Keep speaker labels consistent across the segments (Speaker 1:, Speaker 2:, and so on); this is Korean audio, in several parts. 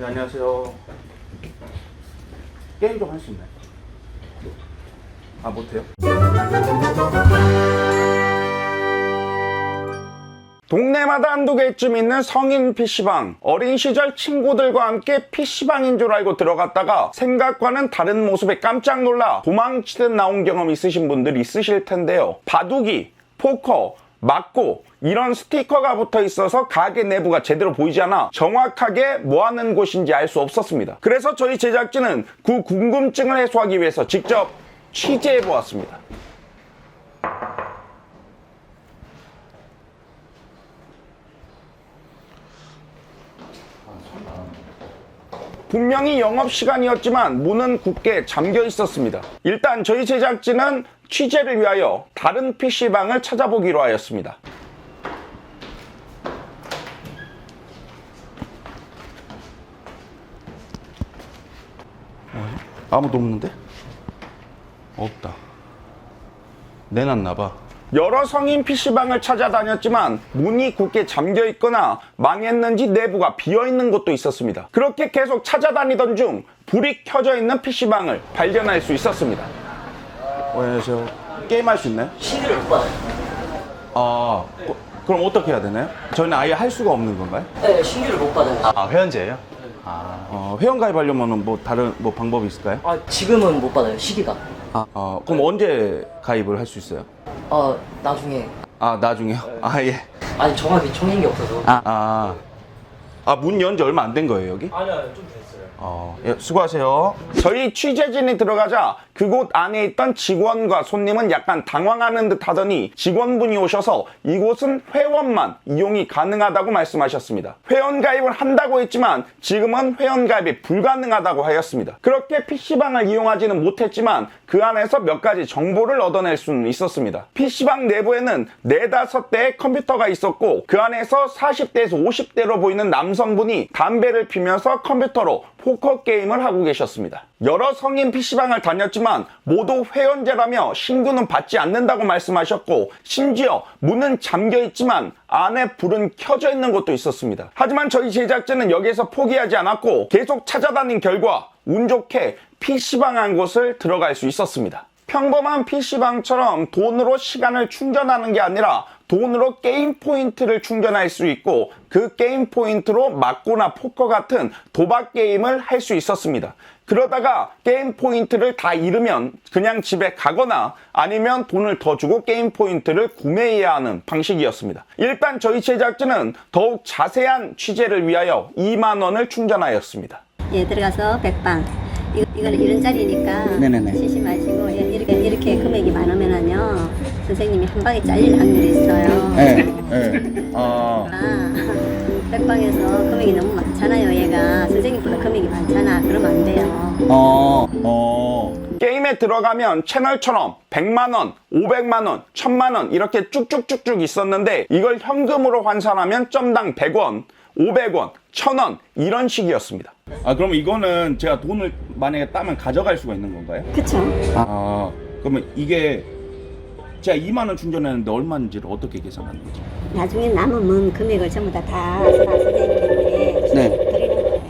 Speaker 1: 네, 안녕하세요. 게임 좀 할 수 있나요? 아, 못해요? 동네마다 한두 개쯤 있는 성인 PC방. 어린 시절 친구들과 함께 PC방인 줄 알고 들어갔다가 생각과는 다른 모습에 깜짝 놀라 도망치듯 나온 경험 있으신 분들 있으실 텐데요. 바둑이, 포커, 막고 이런 스티커가 붙어 있어서 가게 내부가 제대로 보이지 않아 정확하게 뭐 하는 곳인지 알 수 없었습니다. 그래서 저희 제작진은 그 궁금증을 해소하기 위해서 직접 취재해 보았습니다. 분명히 영업시간이었지만 문은 굳게 잠겨 있었습니다. 일단 저희 제작진은 취재를 위하여 다른 PC방을 찾아보기로 하였습니다. 아무도 없는데? 없다. 내놨나봐. 여러 성인 PC방을 찾아다녔지만 문이 굳게 잠겨있거나 망했는지 내부가 비어있는 곳도 있었습니다. 그렇게 계속 찾아다니던 중 불이 켜져 있는 PC방을 발견할 수 있었습니다. 안녕하세요. 게임할 수 있나요?
Speaker 2: 신규를 못 받아요.
Speaker 1: 아, 그럼 어떻게 해야 되나요? 저희는 아예 할 수가 없는 건가요?
Speaker 2: 네, 신규를 못 받아요.
Speaker 3: 아, 회원제예요?
Speaker 1: 회원 가입하려면 뭐 다른 뭐 방법이 있을까요?
Speaker 2: 지금은 못 받아요, 시기가.
Speaker 1: 그럼 언제 가입을 할 수 있어요?
Speaker 2: 나중에.
Speaker 1: 나중에요? 예.
Speaker 2: 아니, 정확히 정해진 게 없어서.
Speaker 1: 문 연 지 얼마 안 된 거예요, 여기?
Speaker 2: 아니요, 좀 됐어요.
Speaker 1: 예, 수고하세요. 저희 취재진이 들어가자 그곳 안에 있던 직원과 손님은 약간 당황하는 듯 하더니 직원분이 오셔서 이곳은 회원만 이용이 가능하다고 말씀하셨습니다. 회원 가입을 한다고 했지만 지금은 회원 가입이 불가능하다고 하였습니다. 그렇게 PC방을 이용하지는 못했지만 그 안에서 몇 가지 정보를 얻어낼 수는 있었습니다. PC방 내부에는 4-5대의 컴퓨터가 있었고 그 안에서 40대에서 50대로 보이는 남성분이 담배를 피면서 컴퓨터로 포커 게임을 하고 계셨습니다. 여러 성인 PC방을 다녔지만 모두 회원제라며 신고는 받지 않는다고 말씀하셨고 심지어 문은 잠겨 있지만 안에 불은 켜져 있는 곳도 있었습니다. 하지만 저희 제작진은 여기에서 포기하지 않았고 계속 찾아다닌 결과 운 좋게 PC방 한 곳을 들어갈 수 있었습니다. 평범한 PC방처럼 돈으로 시간을 충전하는 게 아니라 돈으로 게임 포인트를 충전할 수 있고 그 게임 포인트로 막고나 포커 같은 도박 게임을 할 수 있었습니다. 그러다가 게임 포인트를 다 잃으면 그냥 집에 가거나 아니면 돈을 더 주고 게임 포인트를 구매해야 하는 방식이었습니다. 일단 저희 제작진은 더욱 자세한 취재를 위하여 2만 원을 충전하였습니다.
Speaker 4: 예, 들어가서 100방. 이거는 이런 자리니까
Speaker 1: 네네네.
Speaker 4: 쉬지 마시고 이렇게 금액이 많으면은요 선생님이 한 방에 잘릴 확률이 있어요.
Speaker 1: 네.
Speaker 4: 100방에서 금액이 너무 많잖아요. 얘가 선생님보다 금액이 많잖아. 그러면 안 돼요.
Speaker 1: 게임에 들어가면 채널처럼 100만 원, 500만 원, 1000만 원 이렇게 쭉쭉쭉쭉 있었는데 이걸 현금으로 환산하면 점당 100원, 500원, 1000원 이런 식이었습니다. 그럼 이거는 제가 돈을 만약에 따면 가져갈 수가 있는 건가요?
Speaker 4: 그쵸?
Speaker 1: 그러면 이게 제가 2만 원 충전했는데 얼마인지를 어떻게 계산하는 거죠?
Speaker 4: 나중에 남은 금액을 전부 다 선생님께 드리는 거예요.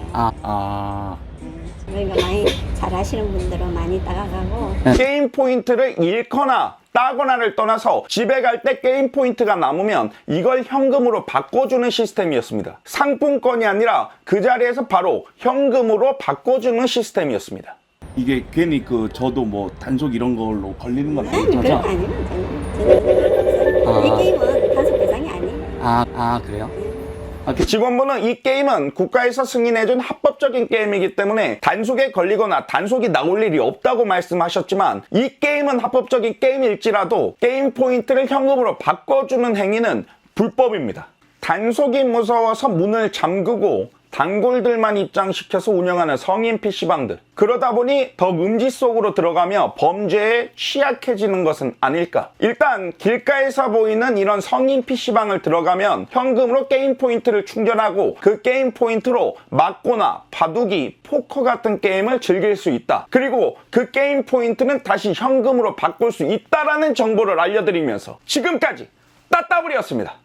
Speaker 4: 그러니까 많이 잘 하시는 분들은 많이 따라가고
Speaker 1: 게임 포인트를 잃거나 따거나를 떠나서 집에 갈 때 게임 포인트가 남으면 이걸 현금으로 바꿔주는 시스템이었습니다. 상품권이 아니라 그 자리에서 바로 현금으로 바꿔주는 시스템이었습니다. 이게 괜히 저도 뭐 단속 이런 걸로 걸리는 건
Speaker 4: 그런 거 아니면 전혀 이 게임은 단속 대상이 아니에요.
Speaker 3: 그래요?
Speaker 1: 직원분은 이 게임은 국가에서 승인해준 합법적인 게임이기 때문에 단속에 걸리거나 단속이 나올 일이 없다고 말씀하셨지만 이 게임은 합법적인 게임일지라도 게임 포인트를 현금으로 바꿔주는 행위는 불법입니다. 단속이 무서워서 문을 잠그고 단골들만 입장시켜서 운영하는 성인 PC방들. 그러다 보니 더 음지 속으로 들어가며 범죄에 취약해지는 것은 아닐까. 일단 길가에서 보이는 이런 성인 PC방을 들어가면 현금으로 게임 포인트를 충전하고 그 게임 포인트로 막고나 바둑이, 포커 같은 게임을 즐길 수 있다. 그리고 그 게임 포인트는 다시 현금으로 바꿀 수 있다라는 정보를 알려드리면서 지금까지 따따블이었습니다.